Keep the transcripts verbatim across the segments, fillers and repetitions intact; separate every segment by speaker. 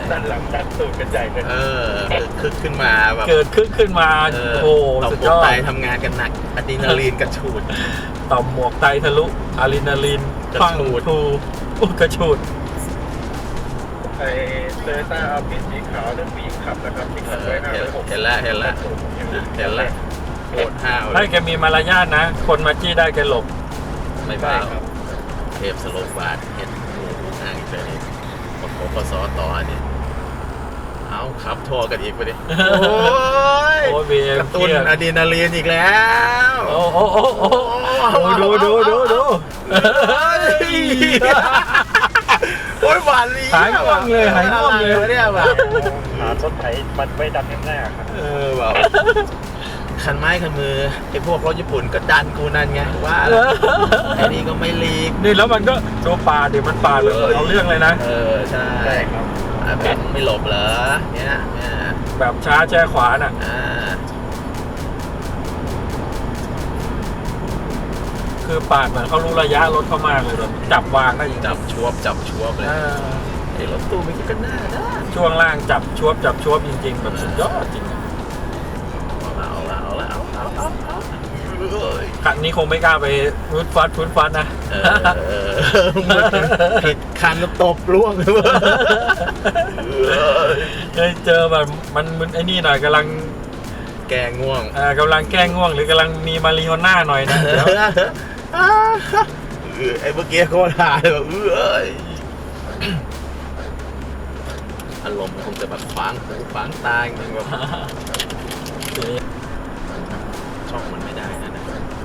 Speaker 1: ด้านหลังดันตูดกันใหญ่เลย
Speaker 2: เออคึกขึ้นมาแบบ
Speaker 3: เกิดขึ้นขึ้นมาโอ้สุดยอด
Speaker 2: ไตทำงานกันหนักอะดรีนาลีนกระฉูด
Speaker 3: ต่อมหมวกไตทะลุอะดรีนาลีน
Speaker 2: กระฉูด
Speaker 3: ทูกระฉูด
Speaker 1: ไอเตอร์ต้าเอาพิษสีขาวเรื่องผู้หญิงขับนะครับที่ขับไว้หน้าเลยผม
Speaker 2: เห็นแล้วเห็นแล้วเห็นแล้วโคตรห้าว
Speaker 3: ให้แกมีมารยาทนะคนมาจี้ได้แกหลบ
Speaker 2: ไม่บ้าเทพสโลบาทเห็นห่างไปนี่ปกปสต่อเนี่ยเอาครับทัวร์กันอีกไปดิโอ้ยกระตุ้นอะดรีนาลีนอีกแล้ว
Speaker 3: โอ้โอ้โอ้โอ้ดูดูดูดู
Speaker 2: โอ้ยหวานลี
Speaker 3: หายง่วงเลยหายง่วงเลย
Speaker 2: เนี่ยแบบ
Speaker 1: หาต้นไผ่มันไม่ดำแน่ๆครับ
Speaker 2: เออแบบคันไม้คันมือไอ้พวกรถญี่ปุ่นก็ดันกูนั่นไงว่าไอ้นี่ก็ไม่ลีก
Speaker 3: นี่แล้วมันก็โดนปาดดิมันปาดเลยเอาเรื่องเลยนะ
Speaker 2: เออใช่
Speaker 1: ใช่ครับ
Speaker 2: แบบไม่หลบเหรอเนี่ย
Speaker 3: แบบช้าแช่ขวาน่ะคือปาดเหมือนเขารู้ระยะรถเขามากเลยจับวางได้จริง
Speaker 2: จับชวบจับชวบเลยไอ้รถตู้ไม่คิดกันหน้านะ
Speaker 3: ช่วงล่างจับชวบจับชวบจริงๆแบบสุดยอดจริง
Speaker 2: เอาละเอาละเอาเอาเอาเอา
Speaker 3: คันนี้คงไม่กล้าไปฟุดฟัดฟุดฟัดนะ
Speaker 2: ผิดคันก็ตบล่วง
Speaker 3: เลยเจอแบบมันมันไอ้นี่หน่อยกำลัง
Speaker 2: แกง่วง
Speaker 3: อ่ากำลังแก้ง่วงหรือกำลังมีมาริโอน่าหน่อยนะเดี๋ยว
Speaker 2: ไอ้เมื่อกี้เขาถ่ายแบบเอ้ยอารมณ์คงจะแบบขวางหูขวางตาจริงแบบช่องมันไม่ได้นะนะ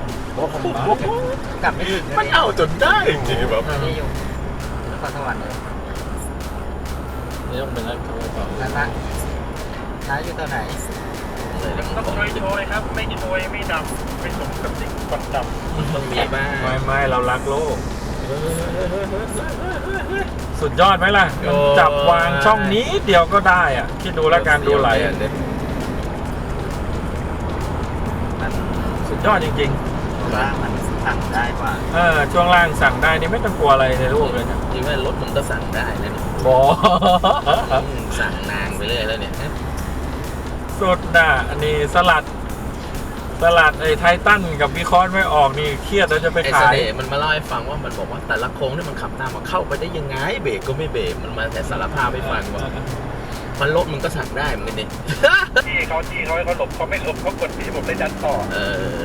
Speaker 3: กลับไม่ถึง
Speaker 2: มันเอาจนได้จริงแบบ
Speaker 3: นี่อยู่นครสวรรค์เลยนี่ต้องเป็นอะไรต่อแล้วนะน้าอยู่ตัวไหน
Speaker 1: ต้องโชยโชยครับไม่โชยไม่ดำไม่สมกับสิ่งควันด
Speaker 2: ำต้องมีบ้าง
Speaker 3: ไม่ไม่เรารักโลกสุดยอดไหมล่ะจับวางช่องนี้เดียวก็ได้อ่ะคิดดูแล้วการดูไหลสุดยอดจริง
Speaker 2: ๆว่ามันสั่งได้กว่า
Speaker 3: เออช่วงล่างสั่งได้นี่ไม่ต้องกลัวอะไรในรูปเลยนะ
Speaker 2: จริงว่ารถมันก็สั่งได้นะ
Speaker 3: บอ
Speaker 2: สั่งนางไปเรื่อยแล้วเนี่ย
Speaker 3: สุดน่ะอันนี้สลัดสลัดไอ้ไททันกับวิคอนไม่ออกนี่เครียดแล้วจะไปขาย
Speaker 2: มันมาเล่าให้ฟังว่ามันบอกว่าแต่ละโค้งที่มันขับตามมาเข้าไปได้ยังไงเบรกก็ไม่เบรกมันมาแต่สารภาพให้ฟังว่ามันรถมันก็สั่งได้เหมือนกันดิ
Speaker 1: ที่เขาที่เขาเขาหลบเขาไม่หลบเขากดที่ผมได้ดันต่อ
Speaker 2: เออ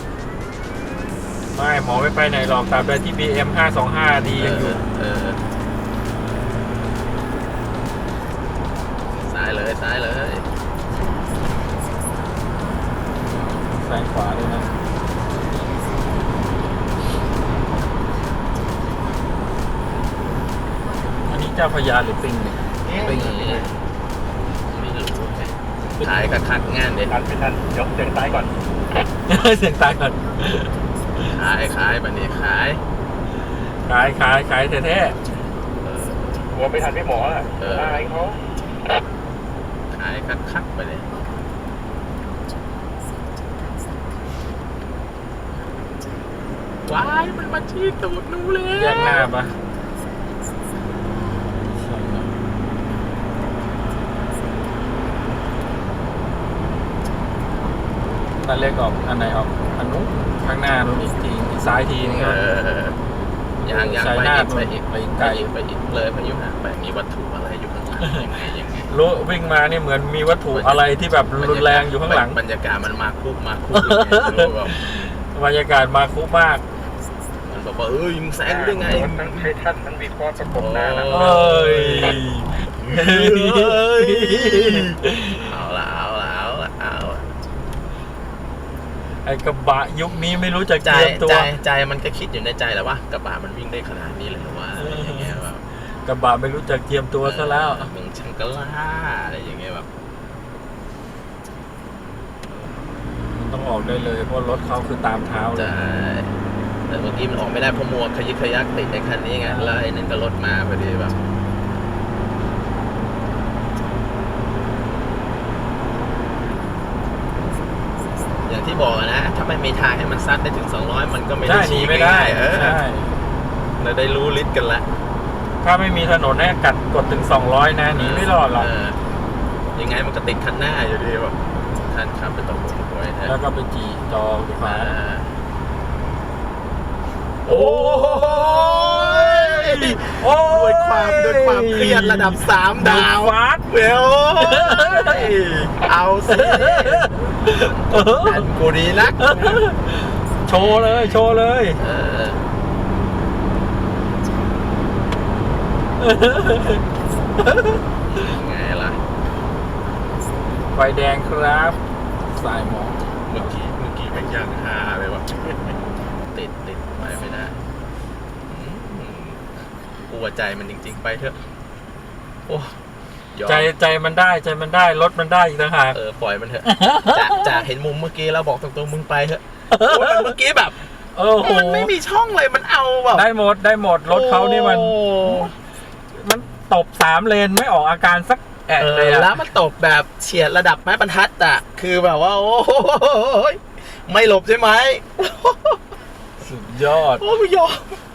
Speaker 3: ไม่หมอไม่ไปไหนหรอกตามไปที่ บี เอ็ม ห้าสองห้าดียังอยู่
Speaker 2: ซ้ายเลยซ้ายเลย
Speaker 3: ซ้ายขวาด้วยนะอันนี้เจ้าพญาหรือปิงเนี่ย
Speaker 2: ปิงไม่รู้ขายคัดคัดงานเด็ด
Speaker 1: ทันไม่ทันยกเสียงตายก่อน
Speaker 3: เสียงตายก่อน
Speaker 2: ขายขายแบบนี้ขาย
Speaker 3: ขายขายขายแท้
Speaker 1: ๆหัวไม่ทันไม่หมออ่ะตายเขา
Speaker 2: ขายคัดคัดไปเลยว้ายมันมาชี้ตูดหนูเลย
Speaker 3: แยกหน้าปะตอนเล็กออกอันไหนออกอันนู้นข้างหน้านู้นอีกทีซ้ายทีนึง
Speaker 2: ยังยังไปอีกไปอีกไปไกลไปอีกเลยพายุห่างไปมีวัตถุอะไรอยู่ข้างหลังยังไงยังไง
Speaker 3: รู้วิ่งมานี่เหมือนมีวัตถุอะไรที่แบบรุนแรงอยู่ข้างหลัง
Speaker 2: บรรยากาศมันมาคุกมาคุก
Speaker 3: บรรยากาศมาคุกมาก
Speaker 2: มันบอกว่าเอ้ยมึงแซงได้ไง
Speaker 1: ทั้งไททันทั้งวีคอร์ประกบหน้านะ
Speaker 3: เอ้ย
Speaker 2: เอาละเอาละเอาละเอา
Speaker 3: ไอ้กระบะยุคนี้ไม่รู้จักเตรียมตัว
Speaker 2: ใจใจมันก็คิดอยู่ในใจแหละว่ากระบะมันวิ่งได้ขนาดนี้เลยหรือว่าอะไรอย่างเงี้ยแบบ
Speaker 3: กระบะไม่รู้จักเตรียมตัวซะแล้ว
Speaker 2: มึงช่างกล้าอะไรอย่างเงี้ยแบบ
Speaker 3: มันต้องออกได้เลยเพราะรถเขาคือตามเท้า
Speaker 2: ใช่แต่เมื่อกี้มันออกไม่ได้เพราะมัวขยิกขยักติดในคันนี้ไงแล้วไอ้นั่นก็รถมาพอดีแบบอย่างที่บอกนะถ้าไม่มีทางให้มันซัดได้ถึงสองร้อยมันก็ไม่ได้ชี้
Speaker 3: ไม่ได้เออ
Speaker 2: เราได้รู้ลิตรกันละ
Speaker 3: ถ้าไม่มีถนนเนี่ยกัดกดถึงสองร้อยนะหนีไม่รอดหรอก
Speaker 2: เยังไงมันก็ติดคันหน้าอยู่ดีแบบท่านขับไปตรงหัวไว้นะ
Speaker 3: แล้วก็ไปจีจอฟ้า
Speaker 2: โอ้ย
Speaker 3: โอ้
Speaker 2: ด้วยความด้วยความเครียดระดับสามดาว
Speaker 3: ฟาด
Speaker 2: เวลเอาสิอันกูดีนัก
Speaker 3: โชว์เลยโชว์เลย
Speaker 2: เออไงล่ะ
Speaker 3: ไฟแดงครับสายหมอก
Speaker 2: เมื่อกี้เมื่อกี้แม่งย่างฮาเลยว่ะติดติดไปไม่ได้อืมกลัวใจมันจริงๆไปเถอะโอ้ยอม
Speaker 3: ใจใจมันได้ใจมันได้รถมันได้อีกต่างหาก
Speaker 2: เออปล่อยมันเถอะ จากจากเห็นมุมเมื่อกี้แล้วบอกตรงๆมึงไปเถอะโอ้ยเมื่อกี้แบบ
Speaker 3: โอ้โห
Speaker 2: มันไม่มีช่องเลยมันเอาแบบ
Speaker 3: ได้หมดได้หมดรถเขานี่มัน
Speaker 2: โอ้
Speaker 3: มันตบสามเลนไม่ออกอาการสักแอะ
Speaker 2: เอ
Speaker 3: เลย
Speaker 2: อ
Speaker 3: อะ
Speaker 2: แล้วมันตบแบบเฉียดระดับไม้บรรทัดอ่ะคือแบบว่า โอ้ยไม่หลบใช่ไหม
Speaker 3: สุดยอด
Speaker 2: โอ้ยยอม